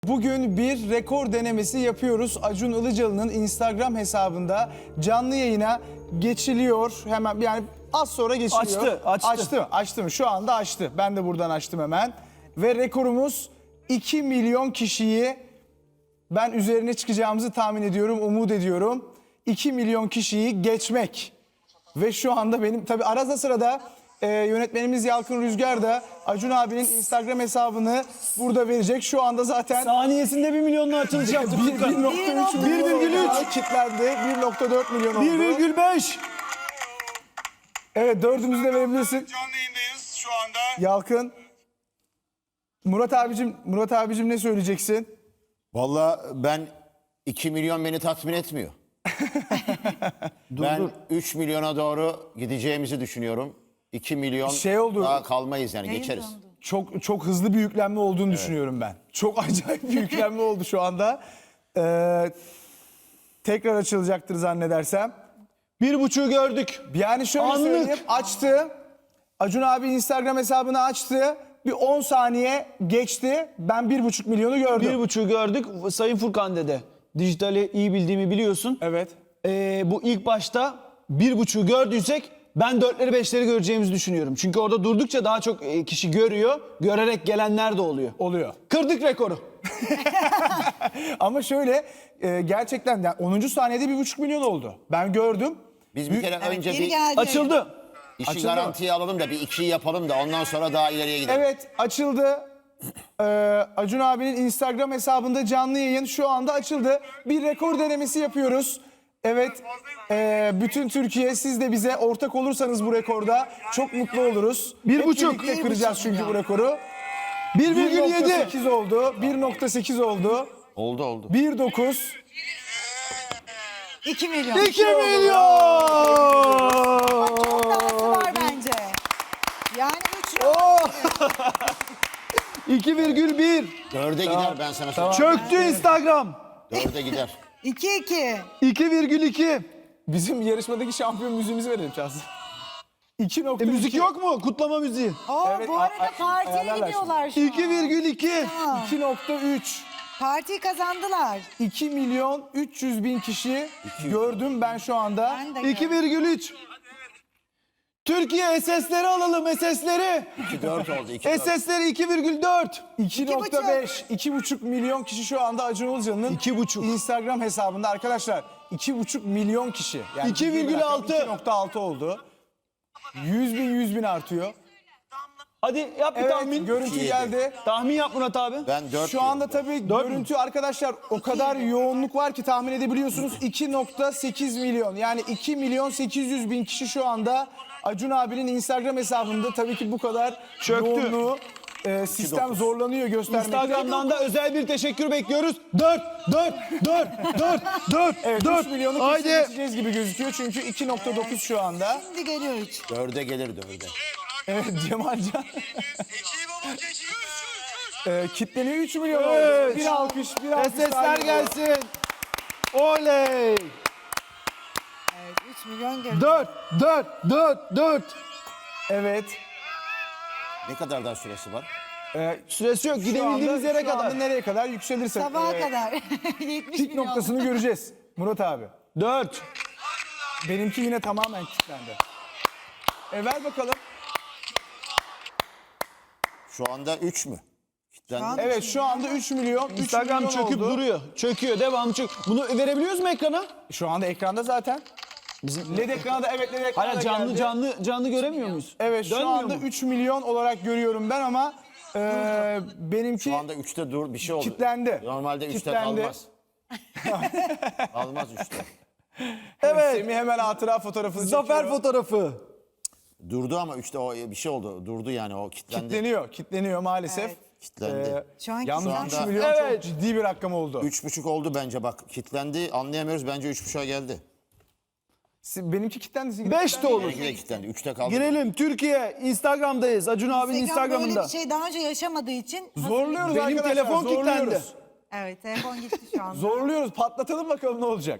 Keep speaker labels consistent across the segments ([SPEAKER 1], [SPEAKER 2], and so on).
[SPEAKER 1] Bugün bir rekor denemesi yapıyoruz. Acun Ilıcalı'nın Instagram hesabında canlı yayına geçiliyor. Hemen yani az sonra geçiliyor. Açtı mı? Şu anda açtı. Ben de buradan açtım hemen. Ve rekorumuz 2 milyon kişiyi ben üzerine çıkacağımızı tahmin ediyorum, umut ediyorum. 2 milyon kişiyi geçmek. Ve şu anda benim tabii arada sırada yönetmenimiz Yalkın Rüzgar da Acun abinin Instagram hesabını burada verecek. Şu anda zaten
[SPEAKER 2] saniyesinde 1 milyonla açılış yaptı.
[SPEAKER 1] 1.3 milyon
[SPEAKER 2] 1,3
[SPEAKER 1] kitlendi. 1.4 milyon oldu.
[SPEAKER 2] 1,5.
[SPEAKER 1] Evet, dördümüzü de verebilirsin.
[SPEAKER 3] Canlı yayındayız şu anda.
[SPEAKER 1] Yalkın. Murat abicim ne söyleyeceksin?
[SPEAKER 4] Vallahi ben 2 milyon beni tatmin etmiyor. Ben 3 milyona doğru gideceğimizi düşünüyorum. 2 milyon
[SPEAKER 1] oldu.
[SPEAKER 4] daha kalmayız yani geçeriz.
[SPEAKER 1] Çok hızlı bir yüklenme olduğunu düşünüyorum ben. Çok acayip bir yüklenme oldu şu anda. Tekrar açılacaktır zannedersem.
[SPEAKER 2] 1,5'ü gördük.
[SPEAKER 1] Yani şöyle
[SPEAKER 2] Anlık.
[SPEAKER 1] söyleyeyim, açtı. Acun abi Instagram hesabını açtı. Bir 10 saniye geçti. Ben 1,5 milyonu gördüm.
[SPEAKER 2] 1,5'ü gördük. Sayın Furkan dede. Dijitali iyi bildiğimi biliyorsun.
[SPEAKER 1] Evet.
[SPEAKER 2] Bu ilk başta 1,5'ü gördüysek ben 4'leri 5'leri göreceğimizi düşünüyorum. Çünkü orada durdukça daha çok kişi görüyor. Görerek gelenler de oluyor.
[SPEAKER 1] Oluyor.
[SPEAKER 2] Kırdık rekoru.
[SPEAKER 1] Ama şöyle gerçekten yani 10. saniyede 1,5 milyon oldu. Ben gördüm.
[SPEAKER 4] Biz bir kere önce
[SPEAKER 5] Geri
[SPEAKER 4] bir
[SPEAKER 5] geldi.
[SPEAKER 2] Açıldı.
[SPEAKER 4] işi
[SPEAKER 1] Açıldı.
[SPEAKER 4] garantiye alalım da bir 2'yi yapalım da ondan sonra daha ileriye gidelim.
[SPEAKER 1] Evet, açıldı. Acun abinin Instagram hesabında canlı yayın şu anda açıldı. Bir rekor denemesi yapıyoruz. Evet, bütün Türkiye siz de bize ortak olursanız bu rekorda çok mutlu oluruz.
[SPEAKER 2] 1,5.
[SPEAKER 1] Hep birlikte kıracağız çünkü bu rekoru.
[SPEAKER 2] 1,7.
[SPEAKER 1] 1.8 oldu, 1.8 oldu,
[SPEAKER 4] Oldu.
[SPEAKER 1] 1.9.
[SPEAKER 5] 2 milyon.
[SPEAKER 2] 2 milyon.
[SPEAKER 5] Dahası var bence. Yani 3
[SPEAKER 2] 2,1.
[SPEAKER 4] 4'e gider ben sana söyleyeyim.
[SPEAKER 2] Çöktü Instagram.
[SPEAKER 4] 4'e gider.
[SPEAKER 5] 2.
[SPEAKER 2] 2,2.
[SPEAKER 1] Bizim yarışmadaki şampiyon müziğimizi verelim Şahsın. 2.2.
[SPEAKER 2] Müzik yok mu? Kutlama müziği.
[SPEAKER 1] Evet,
[SPEAKER 5] Bu arada partiye
[SPEAKER 1] ayarlarlar
[SPEAKER 5] gidiyorlar şu an.
[SPEAKER 2] 2,2.
[SPEAKER 1] 2.3.
[SPEAKER 5] Partiyi kazandılar.
[SPEAKER 1] 2 milyon 300 bin kişi gördüm ben şu anda.
[SPEAKER 5] Ben de gördüm.
[SPEAKER 2] 2,3. Türkiye SS'leri alalım, SS'leri.
[SPEAKER 4] 4 oldu. 2
[SPEAKER 2] SS'leri 2,4.
[SPEAKER 1] 2.5, 2,5 milyon kişi şu anda Acun Ilıcalı'nın
[SPEAKER 2] 2,5.
[SPEAKER 1] Instagram hesabında arkadaşlar. 2,5 milyon kişi. Yani
[SPEAKER 2] 2,6.
[SPEAKER 1] 2.6 oldu. 100 bin artıyor.
[SPEAKER 2] Hadi yap bir
[SPEAKER 1] Evet,
[SPEAKER 2] tahmin.
[SPEAKER 1] görüntü
[SPEAKER 4] İki
[SPEAKER 1] geldi.
[SPEAKER 2] Tahmin yap Murat abi.
[SPEAKER 4] Ben 4
[SPEAKER 1] Şu anda tabii görüntü arkadaşlar o kadar yoğunluk var ki tahmin edebiliyorsunuz. 2.8 milyon yani 2 milyon 800 bin kişi şu anda Acun abinin Instagram hesabında. Tabii ki bu kadar
[SPEAKER 2] Çöktü.
[SPEAKER 1] yoğunluğu sistem zorlanıyor göstermekte.
[SPEAKER 2] Instagram'dan da özel bir teşekkür bekliyoruz. 4.
[SPEAKER 1] Evet 3 milyonu kesin
[SPEAKER 2] Haydi.
[SPEAKER 1] geçeceğiz gibi gözüküyor çünkü 2.9 şu anda.
[SPEAKER 5] Şimdi geliyor 3.
[SPEAKER 4] 4'e gelir 4'e.
[SPEAKER 1] Evet Cemalcan
[SPEAKER 3] Keçiyi baba keçiyi.
[SPEAKER 1] kitleniyor 3 milyon oldu.
[SPEAKER 2] Evet.
[SPEAKER 1] Bir alkış daha
[SPEAKER 2] SS'ler
[SPEAKER 1] geliyor.
[SPEAKER 2] gelsin. Oley.
[SPEAKER 5] Evet 3 milyon geliyor.
[SPEAKER 2] 4.
[SPEAKER 1] Evet.
[SPEAKER 4] Ne kadar daha süresi var?
[SPEAKER 2] Süresi yok.
[SPEAKER 1] Şu
[SPEAKER 2] Gidebildiğimiz
[SPEAKER 1] anda-
[SPEAKER 2] yere
[SPEAKER 1] şu anda
[SPEAKER 2] kadar.
[SPEAKER 1] nereye kadar yükselirse.
[SPEAKER 5] Sabaha kadar. 70
[SPEAKER 1] Pik
[SPEAKER 5] milyon.
[SPEAKER 1] noktasını göreceğiz Murat abi.
[SPEAKER 2] 4.
[SPEAKER 1] Benimki yine tamamen kilitlendi. Ver bakalım.
[SPEAKER 4] Şu anda 3 mü? Kitlendi.
[SPEAKER 1] Evet şu anda 3 milyon. 3
[SPEAKER 2] Instagram
[SPEAKER 1] milyon
[SPEAKER 2] çöküp
[SPEAKER 1] oldu.
[SPEAKER 2] duruyor. Çöküyor. Devam çök. Bunu verebiliyoruz mu ekrana?
[SPEAKER 1] Şu anda ekranda zaten. LED ekranda evet LED ekranda
[SPEAKER 2] Hala canlı
[SPEAKER 1] geldi.
[SPEAKER 2] canlı göremiyor muyuz?
[SPEAKER 1] Evet şu
[SPEAKER 2] Dönmüyor
[SPEAKER 1] anda
[SPEAKER 2] mu?
[SPEAKER 1] 3 milyon olarak görüyorum ben ama benimki
[SPEAKER 4] Şu anda 3'te dur bir şey oldu.
[SPEAKER 1] Kitlendi.
[SPEAKER 4] Normalde 3'te
[SPEAKER 1] Kitlendi.
[SPEAKER 4] kalmaz. Kalmaz 3'te.
[SPEAKER 2] Evet.
[SPEAKER 1] Semih hemen hatıra fotoğrafını
[SPEAKER 2] Zafer
[SPEAKER 1] çekiyor.
[SPEAKER 2] fotoğrafı.
[SPEAKER 4] Durdu ama 3'te o bir şey oldu. Durdu yani o kitlendi.
[SPEAKER 1] Kitleniyor maalesef.
[SPEAKER 5] Evet.
[SPEAKER 4] Kitlendi.
[SPEAKER 5] Şu an
[SPEAKER 1] Yalnız
[SPEAKER 4] Şu
[SPEAKER 1] 3
[SPEAKER 4] anda-
[SPEAKER 1] milyon
[SPEAKER 2] Evet.
[SPEAKER 1] çok ciddi bir rakam oldu.
[SPEAKER 4] 3,5 oldu bence bak. Kitlendi anlayamıyoruz. Bence 3,5'a geldi.
[SPEAKER 1] Benimki kilitlendi. sizinki
[SPEAKER 2] 5 de
[SPEAKER 1] kilitlendi.
[SPEAKER 2] olur.
[SPEAKER 4] Benimki de kitlendi. 3'te kaldı.
[SPEAKER 2] Girelim Türkiye. Instagram'dayız. Acun abinin
[SPEAKER 5] Instagram böyle
[SPEAKER 2] Instagram'ında.
[SPEAKER 5] bir şey daha önce yaşamadığı için
[SPEAKER 1] Zorluyoruz
[SPEAKER 2] Benim
[SPEAKER 1] arkadaşlar.
[SPEAKER 2] telefon kilitlendi.
[SPEAKER 1] zorluyoruz.
[SPEAKER 5] Evet telefon gitti şu anda.
[SPEAKER 1] Zorluyoruz. Patlatalım bakalım ne olacak.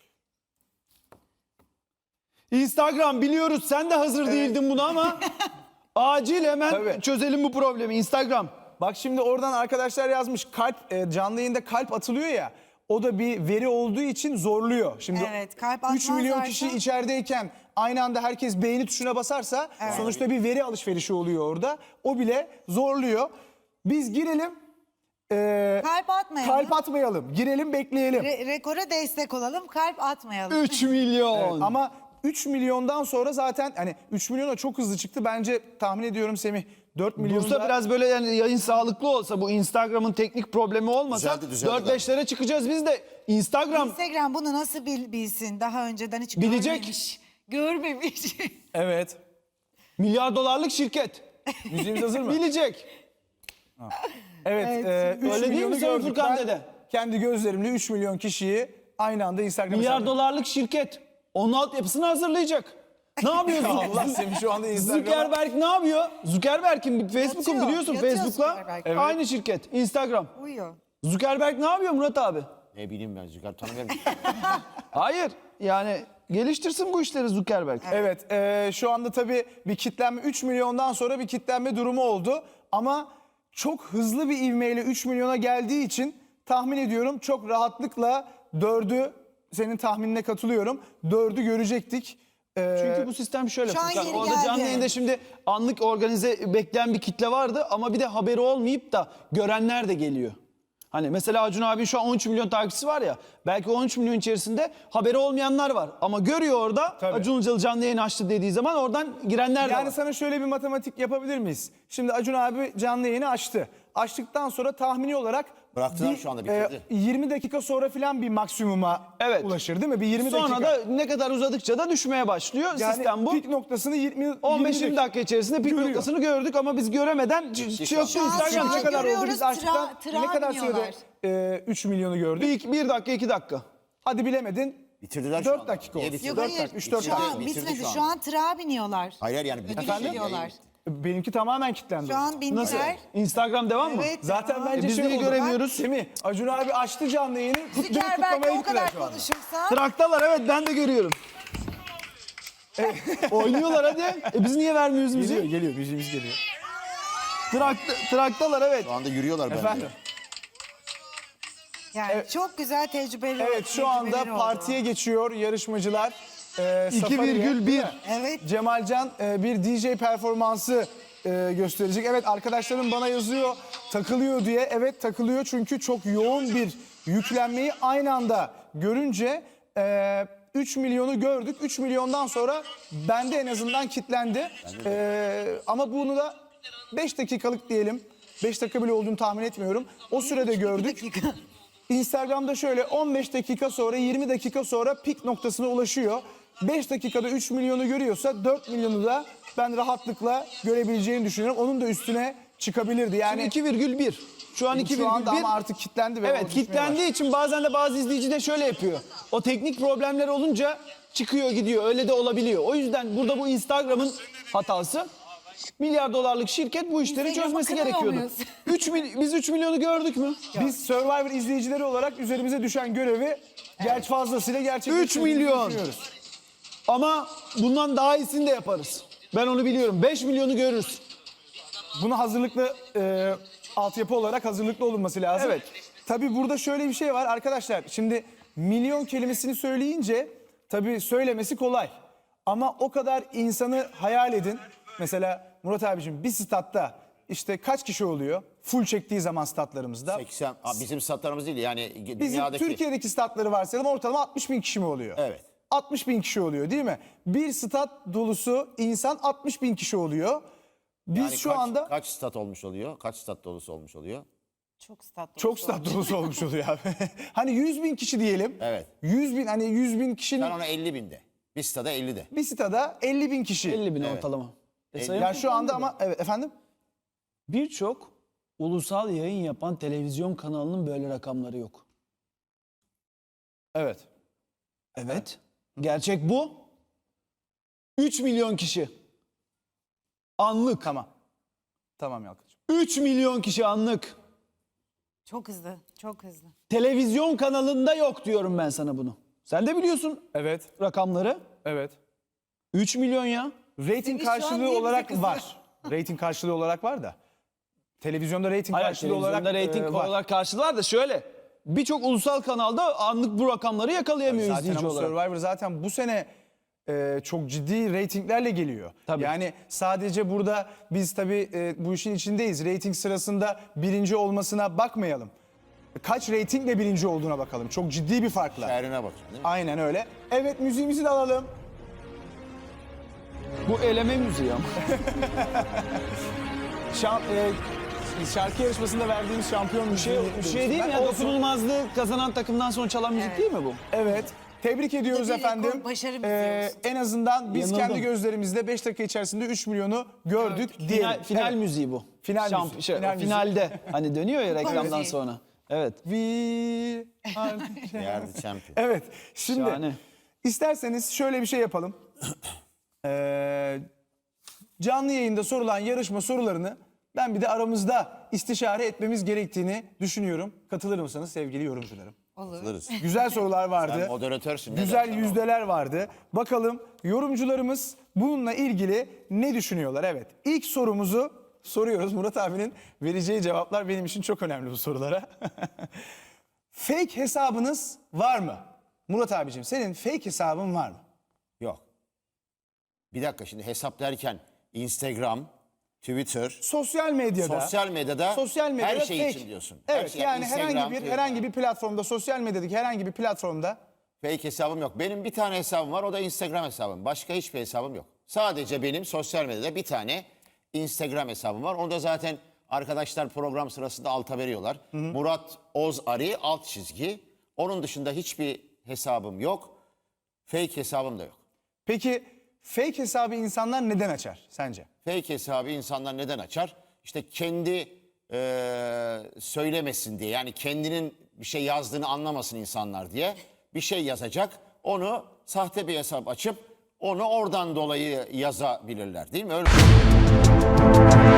[SPEAKER 2] Instagram biliyoruz sen de hazır değildin buna ama acil hemen
[SPEAKER 1] Tabii.
[SPEAKER 2] çözelim bu problemi. Instagram.
[SPEAKER 1] Bak şimdi oradan arkadaşlar yazmış kalp canlı yayında kalp atılıyor ya. O da bir veri olduğu için zorluyor. Şimdi
[SPEAKER 5] Evet, kalp
[SPEAKER 1] 3 milyon
[SPEAKER 5] atmazlarsa-
[SPEAKER 1] kişi içerideyken aynı anda herkes beğeni tuşuna basarsa sonuçta bir veri alışverişi oluyor orada. O bile zorluyor. Biz girelim.
[SPEAKER 5] Kalp atmayalım.
[SPEAKER 1] Kalp atmayalım. Girelim bekleyelim.
[SPEAKER 5] Rekora destek olalım. Kalp atmayalım.
[SPEAKER 2] 3 milyon.
[SPEAKER 1] Ama 3 milyondan sonra zaten hani 3 milyona çok hızlı çıktı. Bence tahmin ediyorum Semih 4 milyon
[SPEAKER 2] Dursa biraz böyle yani yayın sağlıklı olsa, bu Instagram'ın teknik problemi olmasa
[SPEAKER 4] Düzeldi
[SPEAKER 2] 4-5'lere çıkacağız biz de. Instagram
[SPEAKER 5] Instagram bunu nasıl bilsin? Daha önceden hiç
[SPEAKER 2] Bilecek.
[SPEAKER 5] görmemiş. Görmemiş.
[SPEAKER 1] Evet.
[SPEAKER 2] milyar dolarlık şirket.
[SPEAKER 1] Müziğimiz hazır mı?
[SPEAKER 2] Bilecek.
[SPEAKER 1] Evet.
[SPEAKER 5] Evet,
[SPEAKER 1] 3
[SPEAKER 2] öyle değil mi
[SPEAKER 1] milyonu
[SPEAKER 2] Sayın
[SPEAKER 1] gördük.
[SPEAKER 2] Furkan
[SPEAKER 1] Ben
[SPEAKER 2] dede?
[SPEAKER 1] kendi gözlerimle 3 milyon kişiyi aynı anda Instagram
[SPEAKER 2] Milyar
[SPEAKER 1] hesabına-
[SPEAKER 2] dolarlık şirket. Onun altyapısını hazırlayacak. Ne yapıyorsun?
[SPEAKER 1] Allah Semih şu anda Instagram'a...
[SPEAKER 2] Zuckerberg ne yapıyor? Zuckerberg'in Facebook'un
[SPEAKER 5] Yatıyor,
[SPEAKER 2] biliyorsun
[SPEAKER 5] yatıyor
[SPEAKER 2] Facebook'la.
[SPEAKER 5] Zuckerberg.
[SPEAKER 1] Evet.
[SPEAKER 2] Aynı şirket. Instagram.
[SPEAKER 5] Uyuyor.
[SPEAKER 2] Zuckerberg ne yapıyor Murat abi?
[SPEAKER 4] Ne bileyim ben Zügar tanımıyorum.
[SPEAKER 2] Hayır. Yani geliştirsin bu işleri Zuckerberg.
[SPEAKER 1] Evet, şu anda tabii bir kitlenme 3 milyondan sonra bir kitlenme durumu oldu. Ama çok hızlı bir ivmeyle 3 milyona geldiği için tahmin ediyorum çok rahatlıkla 4'ü, senin tahminine katılıyorum, 4'ü görecektik.
[SPEAKER 2] Çünkü bu sistem şöyle
[SPEAKER 5] Şu an
[SPEAKER 2] Furkan.
[SPEAKER 5] geri
[SPEAKER 2] Orada
[SPEAKER 5] geldi.
[SPEAKER 2] canlı yayında şimdi anlık organize bekleyen bir kitle vardı ama bir de haberi olmayıp da görenler de geliyor. Hani mesela Acun abi şu an 13 milyon takipçisi var ya, belki 13 milyon içerisinde haberi olmayanlar var. Ama görüyor orada
[SPEAKER 1] Tabii.
[SPEAKER 2] Acun Ilıcalı canlı yayın açtı dediği zaman oradan girenler de
[SPEAKER 1] Yani
[SPEAKER 2] var.
[SPEAKER 1] sana şöyle bir matematik yapabilir miyiz? Şimdi Acun abi canlı yayını açtı. Açtıktan sonra tahmini olarak
[SPEAKER 4] Bıraktılar şu anda, bitirdi.
[SPEAKER 1] 20 dakika sonra falan bir maksimuma
[SPEAKER 2] Evet.
[SPEAKER 1] ulaşır değil mi? Bir 20
[SPEAKER 2] Sonra
[SPEAKER 1] dakika.
[SPEAKER 2] da ne kadar uzadıkça da düşmeye başlıyor.
[SPEAKER 1] Yani
[SPEAKER 2] Sistem bu.
[SPEAKER 1] pik noktasını
[SPEAKER 2] 15-20 dakika içerisinde pik
[SPEAKER 1] Görüyor.
[SPEAKER 2] noktasını gördük ama biz göremeden çöktü
[SPEAKER 5] Şu an
[SPEAKER 2] Instagram.
[SPEAKER 1] ne kadar oldu?
[SPEAKER 5] görüyoruz,
[SPEAKER 1] Biz açtıktan
[SPEAKER 5] tıra
[SPEAKER 1] ne kadar
[SPEAKER 5] biniyorlar.
[SPEAKER 1] sürede 3 milyonu gördük?
[SPEAKER 2] Bir dakika 2 dakika.
[SPEAKER 1] Hadi bilemedin.
[SPEAKER 4] Bitirdiler şu
[SPEAKER 1] 4
[SPEAKER 4] anda.
[SPEAKER 1] dakika
[SPEAKER 4] Niye
[SPEAKER 1] olsun.
[SPEAKER 4] bitirdi?
[SPEAKER 5] Yok
[SPEAKER 1] 4
[SPEAKER 5] hayır.
[SPEAKER 1] dakika, 3-4
[SPEAKER 5] Şu
[SPEAKER 1] dakika.
[SPEAKER 5] an
[SPEAKER 4] Bitirdi
[SPEAKER 5] bitmedi.
[SPEAKER 4] şu
[SPEAKER 5] Şu an tırağa biniyorlar.
[SPEAKER 4] Hayır yani bitirdi.
[SPEAKER 5] Gidiyorlar.
[SPEAKER 1] Benimki tamamen kilitlendi.
[SPEAKER 5] Şu an
[SPEAKER 2] Nasıl?
[SPEAKER 5] bindiler.
[SPEAKER 2] Instagram devam mı?
[SPEAKER 5] Evet.
[SPEAKER 1] Zaten
[SPEAKER 5] devam.
[SPEAKER 1] bence
[SPEAKER 2] biz
[SPEAKER 1] şey
[SPEAKER 2] niye
[SPEAKER 1] oldu.
[SPEAKER 2] göremiyoruz?
[SPEAKER 1] Semih, Acun abi açtı canlı yayını.
[SPEAKER 5] Zuckerberg
[SPEAKER 1] kutlamaya
[SPEAKER 5] o
[SPEAKER 1] gittiler
[SPEAKER 5] kadar
[SPEAKER 1] şu anda.
[SPEAKER 5] konuşursa
[SPEAKER 2] Traktalar, evet, ben de görüyorum. Oynuyorlar hadi. Biz niye vermiyoruz müziği?
[SPEAKER 1] Geliyor, müziğimiz geliyor.
[SPEAKER 2] Traktalar, evet.
[SPEAKER 4] Şu anda yürüyorlar bence.
[SPEAKER 1] Efendim?
[SPEAKER 5] yani çok güzel tecrübeli.
[SPEAKER 1] Evet, şu anda
[SPEAKER 5] tecrübeleri oldu.
[SPEAKER 1] partiye geçiyor yarışmacılar. Safari'ye,
[SPEAKER 2] 2,1.
[SPEAKER 1] değil mi?
[SPEAKER 5] Evet.
[SPEAKER 1] Cemalcan bir DJ performansı gösterecek. Evet, arkadaşlarım bana yazıyor takılıyor diye. Evet, takılıyor çünkü çok yoğun bir yüklenmeyi aynı anda görünce 3 milyonu gördük. 3 milyondan sonra bende en azından kitlendi. Ama bunu da 5 dakikalık diyelim. 5 dakika bile olduğunu tahmin etmiyorum. O sürede gördük.
[SPEAKER 5] dakika.
[SPEAKER 1] Instagram'da şöyle 15 dakika sonra 20 dakika sonra pik noktasına ulaşıyor. 5 dakikada 3 milyonu görüyorsa 4 milyonu da ben rahatlıkla görebileceğini düşünüyorum. Onun da üstüne çıkabilirdi. Yani
[SPEAKER 2] 2,1. Şu an 2,1.
[SPEAKER 1] şu anda ama artık kilitlendi. Ve o
[SPEAKER 2] Evet,
[SPEAKER 1] düşmeye
[SPEAKER 2] kilitlendiği için bazen de bazı izleyici de şöyle yapıyor. O teknik problemler olunca çıkıyor gidiyor. Öyle de olabiliyor. O yüzden burada bu Instagram'ın hatası. Milyar dolarlık şirket bu işleri
[SPEAKER 5] Instagram'ı
[SPEAKER 2] çözmesi
[SPEAKER 5] kınamıyor
[SPEAKER 2] gerekiyordu.
[SPEAKER 5] muyuz?
[SPEAKER 2] Biz 3 milyonu gördük mü?
[SPEAKER 1] Biz Survivor izleyicileri olarak üzerimize düşen görevi fazlasıyla gerçekleştirdiğimizi
[SPEAKER 2] 3 milyon.
[SPEAKER 1] düşünüyoruz.
[SPEAKER 2] Ama bundan daha iyisini de yaparız. Ben onu biliyorum. 5 milyonu görürüz.
[SPEAKER 1] Buna hazırlıklı altyapı olarak hazırlıklı olunması lazım.
[SPEAKER 2] Evet.
[SPEAKER 1] Tabii burada şöyle bir şey var arkadaşlar. Şimdi milyon kelimesini söyleyince tabii söylemesi kolay. Ama o kadar insanı hayal edin. Mesela Murat abiciğim bir statta işte kaç kişi oluyor? Full çektiği zaman statlarımızda.
[SPEAKER 4] 80, bizim statlarımız değil yani
[SPEAKER 1] Bizim
[SPEAKER 4] dünyadaki.
[SPEAKER 1] Türkiye'deki statları varsayalım ortalama 60 bin kişi mi oluyor?
[SPEAKER 4] Evet.
[SPEAKER 1] 60 bin kişi oluyor değil mi? Bir stat dolusu insan 60 bin kişi oluyor. Biz
[SPEAKER 4] Yani
[SPEAKER 1] şu
[SPEAKER 4] kaç,
[SPEAKER 1] anda
[SPEAKER 4] kaç stat olmuş oluyor? Kaç stat dolusu olmuş oluyor?
[SPEAKER 5] Çok statlı.
[SPEAKER 1] çok stat dolusu olmuş oluyor abi. Hani 100 bin kişi diyelim.
[SPEAKER 4] Evet.
[SPEAKER 1] 100 bin, hani 100 bin kişinin
[SPEAKER 4] Ben ona 50 binde. Bir stada 50'de.
[SPEAKER 1] bir stada 50 bin kişi.
[SPEAKER 2] 50 bin ortalama. Sayın
[SPEAKER 1] Ya şu anda ama evet efendim.
[SPEAKER 2] birçok ulusal yayın yapan televizyon kanalının böyle rakamları yok.
[SPEAKER 1] Evet.
[SPEAKER 2] Evet. Gerçek bu. 3 milyon kişi. Anlık.
[SPEAKER 1] Tamam. Tamam Yalkıcığım.
[SPEAKER 2] 3 milyon kişi anlık.
[SPEAKER 5] Çok hızlı. Çok hızlı.
[SPEAKER 2] Televizyon kanalında yok diyorum ben sana bunu. Sen de biliyorsun
[SPEAKER 1] Evet.
[SPEAKER 2] rakamları.
[SPEAKER 1] Evet.
[SPEAKER 2] 3 milyon ya.
[SPEAKER 1] Rating
[SPEAKER 5] Seni şu an
[SPEAKER 1] karşılığı
[SPEAKER 5] niye bize
[SPEAKER 1] olarak
[SPEAKER 5] kızıyor?
[SPEAKER 1] var. Rating karşılığı olarak var da. Televizyonda reyting
[SPEAKER 2] Hayır,
[SPEAKER 1] karşılığı olarak
[SPEAKER 2] televizyonda reyting
[SPEAKER 1] var.
[SPEAKER 2] olarak karşılığı var da şöyle. Birçok ulusal kanalda anlık bu rakamları yakalayamıyor
[SPEAKER 1] Zaten
[SPEAKER 2] izleyici
[SPEAKER 1] ama
[SPEAKER 2] olarak.
[SPEAKER 1] Survivor zaten bu sene çok ciddi reytinglerle geliyor.
[SPEAKER 2] Tabii.
[SPEAKER 1] Yani sadece burada biz tabii bu işin içindeyiz. Reyting sırasında birinci olmasına bakmayalım. Kaç reytingle birinci olduğuna bakalım. Çok ciddi bir farkla.
[SPEAKER 4] Şehrine bakın değil mi?
[SPEAKER 1] Aynen öyle. Evet, müziğimizi de alalım.
[SPEAKER 2] Bu eleme müziği ama.
[SPEAKER 1] Şarkı yarışmasında verdiğimiz şampiyon müziği.
[SPEAKER 2] Bir şey değil mi ya?
[SPEAKER 1] Olsun.
[SPEAKER 2] Dokunulmazlığı kazanan takımdan sonra çalan müzik değil mi bu?
[SPEAKER 1] Evet. Tebrik ediyoruz
[SPEAKER 5] Bir rekor,
[SPEAKER 1] efendim.
[SPEAKER 5] başarı bizi olsun.
[SPEAKER 1] En azından biz
[SPEAKER 2] Yanıldım.
[SPEAKER 1] kendi gözlerimizle 5 dakika içerisinde 3 milyonu gördük diyelim.
[SPEAKER 2] Final
[SPEAKER 1] Evet.
[SPEAKER 2] müziği bu.
[SPEAKER 1] Final
[SPEAKER 2] Şamp-
[SPEAKER 1] müziği,
[SPEAKER 2] şey,
[SPEAKER 1] final müziği.
[SPEAKER 2] finalde hani dönüyor ya reklamdan
[SPEAKER 5] müziği.
[SPEAKER 2] sonra. Evet.
[SPEAKER 1] We are...
[SPEAKER 4] Yerdi champion.
[SPEAKER 1] Evet. Şimdi
[SPEAKER 2] Şahane.
[SPEAKER 1] isterseniz şöyle bir şey yapalım. Canlı yayında sorulan yarışma sorularını ben bir de aramızda istişare etmemiz gerektiğini düşünüyorum. Katılır mısınız sevgili yorumcularım?
[SPEAKER 4] Alırız.
[SPEAKER 1] Güzel sorular vardı.
[SPEAKER 4] Sen moderatörsün. ne
[SPEAKER 1] Güzel
[SPEAKER 4] dersen o.
[SPEAKER 1] yüzdeler vardı. Bakalım yorumcularımız bununla ilgili ne düşünüyorlar? Evet. İlk sorumuzu soruyoruz. Murat abinin vereceği cevaplar benim için çok önemli bu sorulara. Fake hesabınız var mı? Murat abicim senin fake hesabın var mı?
[SPEAKER 4] Yok. Bir dakika şimdi hesap derken Instagram, Twitter,
[SPEAKER 1] Sosyal medyada.
[SPEAKER 4] sosyal medyada her şey
[SPEAKER 1] fake.
[SPEAKER 4] için diyorsun. Her
[SPEAKER 1] Evet
[SPEAKER 4] şey,
[SPEAKER 1] yani
[SPEAKER 4] Instagram,
[SPEAKER 1] herhangi bir platformda, sosyal medyadaki herhangi bir platformda
[SPEAKER 4] Fake hesabım yok. Benim bir tane hesabım var, o da Instagram hesabım. Başka hiçbir hesabım yok. Sadece benim sosyal medyada bir tane Instagram hesabım var. Onu da zaten arkadaşlar program sırasında alta veriyorlar. Murat Ozari alt çizgi. Onun dışında hiçbir hesabım yok. Fake hesabım da yok.
[SPEAKER 1] peki fake hesabı insanlar neden açar sence?
[SPEAKER 4] Fake hesabı insanlar neden açar? İşte kendi söylemesin diye. Yani kendinin bir şey yazdığını anlamasın insanlar diye. Bir şey yazacak. Onu sahte bir hesap açıp onu oradan dolayı yazabilirler. Değil mi? Öyle.